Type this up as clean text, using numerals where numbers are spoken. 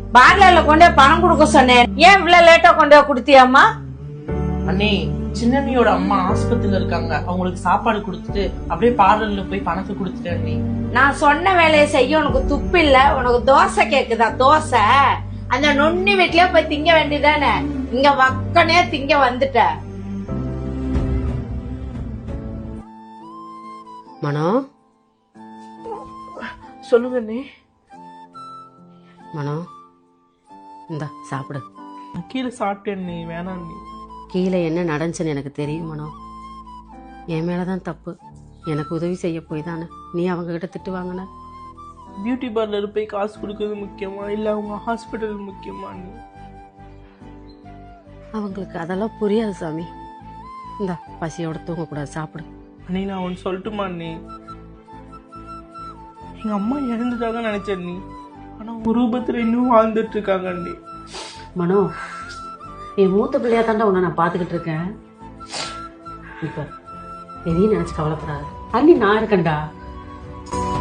பார்லர்ல கொண்டே பணம் கொடுக்க சொன்னேன், ஏன் இவ்வளவு லேட்டா கொண்டே கொடுத்தியாமா? அண்ணே, சின்னம்மியோட அம்மா ஆஸ்பத்திரியில இருக்காங்க, அவங்களுக்கு சாப்பாடு கொடுத்துட்டு அப்படியே பார்லர்ல போய் பணத்தை கொடுத்துட்டேன் அண்ணே. நான் சொன்ன வேலையை செய்ய உனக்கு துப்பு இல்ல? உனக்கு தோசை கேக்குதா? தோசை அந்த நொண்ணி வீட்லயே போய் திங்க வேண்டியதானே, இங்க வக்கனே திங்க வந்துட்ட. மனோ, சொல்லுங்க அண்ணே. மனோ இந்தா சாப்பிடு. நான் கீழே சாப்பிட்டேன் அண்ணே, வேணாம் அண்ணே. கீழே என்ன நடந்துச்சுன்னு எனக்கு தெரியும் மனோ. என் மேலதான் தப்பு. எனக்கு உதவி செய்ய போய் தானே நீ அவங்க கிட்ட திட்டு வாங்கின. பியூட்டி பார்லர் போய் காசு கொடுக்கறது முக்கியமா இல்ல அவங்க ஹாஸ்பிட்டல் முக்கியமா அண்ணே? அவங்களுக்கு அதெல்லாம் புரியாது சாமி. இந்தா பசியோட தூங்கக்கூடாது, சாப்பிடு. அண்ணே, நான் ஒன்று சொல்லட்டுமா அண்ணே? எங்க அம்மா இறந்துட்டாங்க நினைச்சேன் அண்ணே, ஆனா ஒரு ரூபத்துல இன்னும் வாழ்ந்துட்டு இருக்காங்க அண்ணே. மனோ, என் மூத்த பிள்ளையா தாண்டா உன்னை நான் பார்த்துக்கிட்டு இருக்கேன். இப்ப எதையும் நினைச்சு கவலைப்படாது. அண்ணி நான் இருக்கேன்டா.